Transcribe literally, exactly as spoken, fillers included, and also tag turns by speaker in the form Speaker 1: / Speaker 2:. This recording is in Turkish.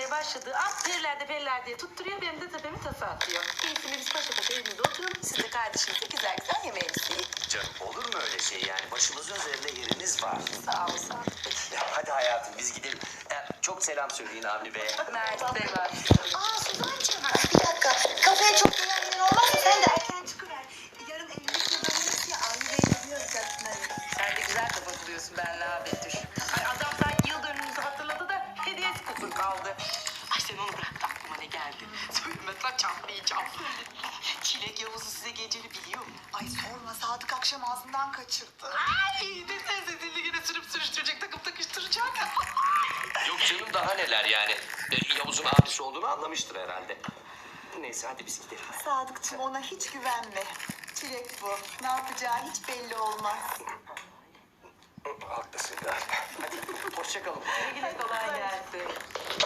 Speaker 1: gelmeye başladığı an periler de periler diye tutturuyor. Benim de tepemi tasa atıyor. Keyifli biz paşa paşa evimizde oturalım. Siz de kardeşinizle güzel güzel yemeğinizi yiyin.
Speaker 2: Canım olur mu öyle şey yani? Başımızın üzerinde yeriniz var.
Speaker 1: Sağ ol, sağ ol.
Speaker 2: Ya, hadi hayatım biz gidelim. Ya, çok selam söyleyin Avni Bey'e.
Speaker 1: Mert de var.
Speaker 3: Aa Suzancığım bir dakika. Kafeye çok güvenliğin olmaz. Sen de erken çıkıver. Yarın evlilik yıldönümüz ya. Avni Bey'i biliyoruz aslında.
Speaker 1: Sen de güzel kafa buluyorsun benle ha Betüş. Ay adam sanki yıl dönümümüzü hatırladı da hediyesi kusur kaldı. Ay sen onu bırak da aklıma ne geldi. Söylemezsen çatlayacağım. Çilek Yavuz'u size geceli biliyor mu?
Speaker 3: Ay sorma Sadık akşam ağzından kaçırdı.
Speaker 1: Ay ne sense dilli yine sürüp sürüştürecek takıp takıştıracak.
Speaker 2: Yok canım daha neler yani. E, Yavuz'un abisi olduğunu anlamıştır herhalde. Neyse hadi biz gidelim.
Speaker 3: Sadıkçım ona hiç güvenme. Çilek bu. Ne yapacağı hiç belli olmaz.
Speaker 2: Haklısın galiba. Hadi hoşça kalın.
Speaker 1: Güle kolay gelsin.